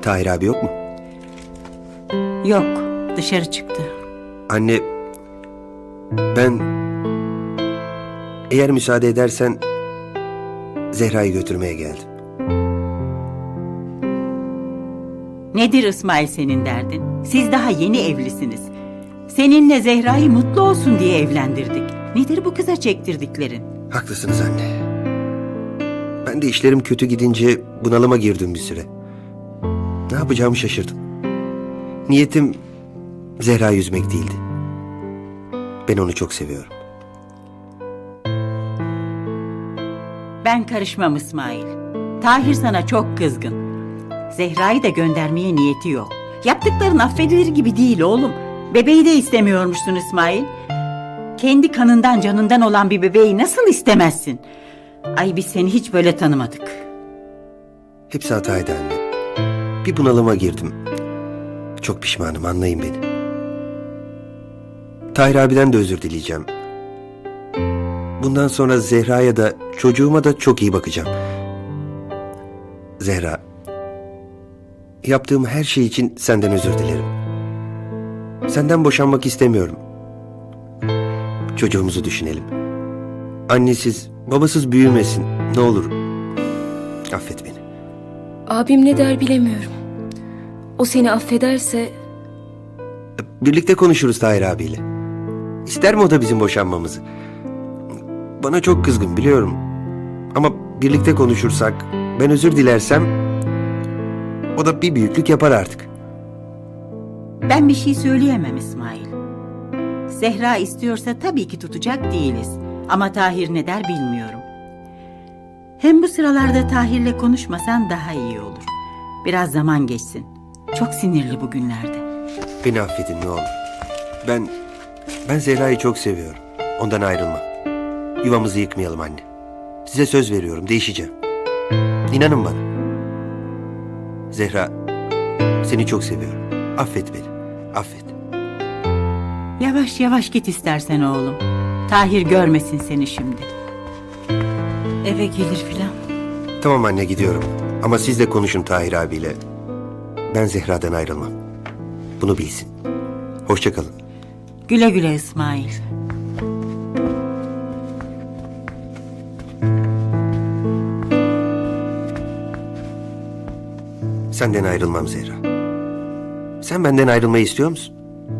Tahir abi yok mu? Yok, dışarı çıktı. Anne, ben eğer müsaade edersen Zehra'yı götürmeye geldim. Nedir İsmail senin derdin? Siz daha yeni evlisiniz. Seninle Zehra'yı mutlu olsun diye evlendirdik. Nedir bu kıza çektirdiklerin? Haklısınız anne. Ben de işlerim kötü gidince bunalıma girdim bir süre. Ne yapacağımı şaşırdım. Niyetim Zehra'yı üzmek değildi. Ben onu çok seviyorum. Ben karışmam İsmail. Tahir sana çok kızgın. Zehra'yı da göndermeye niyeti yok. Yaptıkların affedilir gibi değil oğlum. Bebeği de istemiyormuşsun İsmail. Kendi kanından canından olan bir bebeği nasıl istemezsin? Ay biz seni hiç böyle tanımadık. Hepsi hataydı anne. Bir bunalıma girdim. Çok pişmanım, anlayın beni. Tahir abiden de özür dileyeceğim. Bundan sonra Zehra'ya da çocuğuma da çok iyi bakacağım. Zehra, yaptığım her şey için senden özür dilerim. Senden boşanmak istemiyorum. Çocuğumuzu düşünelim. Annesiz, babasız büyümesin. Ne olur. Affet beni. Abim ne der bilemiyorum. O seni affederse Birlikte konuşuruz Tahir abiyle. İster mi o da bizim boşanmamızı? Bana çok kızgın biliyorum. Ama birlikte konuşursak, ben özür dilersem o da bir büyüklük yapar artık. Ben bir şey söyleyemem İsmail. Zehra istiyorsa tabii ki tutacak değiliz. Ama Tahir ne der bilmiyorum. Hem bu sıralarda Tahir'le konuşmasan daha iyi olur. Biraz zaman geçsin. Çok sinirli bugünlerde. Beni affedin ne olur. Ben Zehra'yı çok seviyorum. Ondan ayrılmam. Yuvamızı yıkmayalım anne. Size söz veriyorum, değişeceğim. İnanın bana. Zehra, seni çok seviyorum. Affet beni, affet. Yavaş yavaş git istersen oğlum. Tahir görmesin seni şimdi. Eve gelir filan. Tamam anne, gidiyorum. Ama siz de konuşun Tahir abiyle. Ben Zehra'dan ayrılmam. Bunu bilsin. Hoşça kalın. Güle güle İsmail. Senden ayrılmam Zehra. Sen benden ayrılmayı istiyor musun?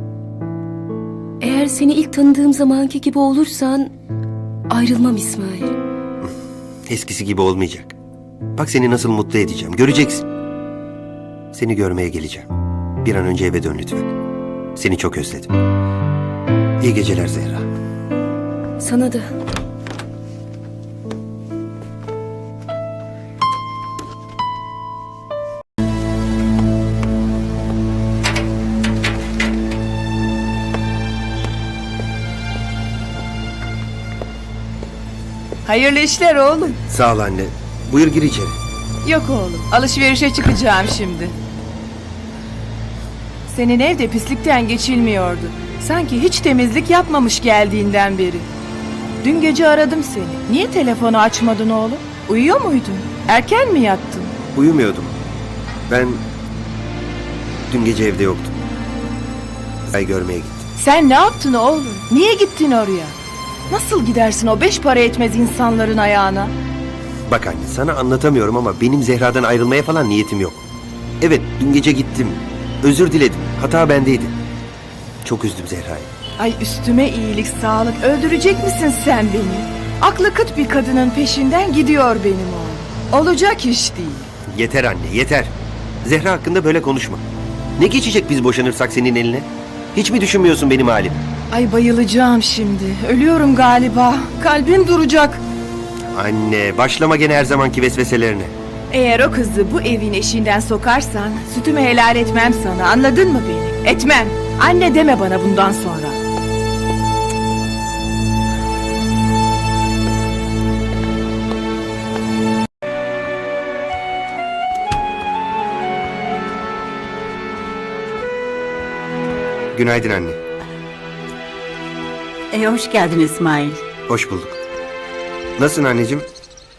eğer seni ilk tanıdığım zamanki gibi olursan ayrılmam İsmail. Eskisi gibi olmayacak. Bak seni nasıl mutlu edeceğim. Göreceksin. Seni görmeye geleceğim. Bir an önce eve dön lütfen. Seni çok özledim. İyi geceler Zehra. Sana da. Hayırlı işler oğlum. Sağ ol anne. Buyur gir içeri. Yok oğlum, alışverişe çıkacağım şimdi. Senin evde pislikten geçilmiyordu. Sanki hiç temizlik yapmamış geldiğinden beri. Dün gece aradım seni. Niye telefonu açmadın oğlum? Uyuyor muydun? Erken mi yattın? Uyumuyordum. Ben dün gece evde yoktum. Ay görmeye gittim. Sen ne yaptın oğlum? Niye gittin oraya? Nasıl gidersin o 5 para etmez insanların ayağına? Bak anne sana anlatamıyorum ama benim Zehra'dan ayrılmaya falan niyetim yok. Evet dün gece gittim. Özür diledim. Hata bendeydi. Çok üzdüm Zehra'yı. Ay üstüme iyilik sağlık. Öldürecek misin sen beni? Aklı kıt bir kadının peşinden gidiyor benim oğlum. Olacak iş değil. Yeter anne yeter. Zehra hakkında böyle konuşma. Ne geçecek biz boşanırsak senin eline? Hiç mi düşünmüyorsun benim halim? Ay bayılacağım şimdi. Ölüyorum galiba. Kalbim duracak. Anne başlama gene her zamanki vesveselerine. Eğer o kızı bu evin eşiğinden sokarsan sütümü helal etmem sana. Anladın mı beni? Etmem. Anne deme bana bundan sonra. Günaydın anne. Hoş geldin İsmail. Hoş bulduk. Nasılsın anneciğim?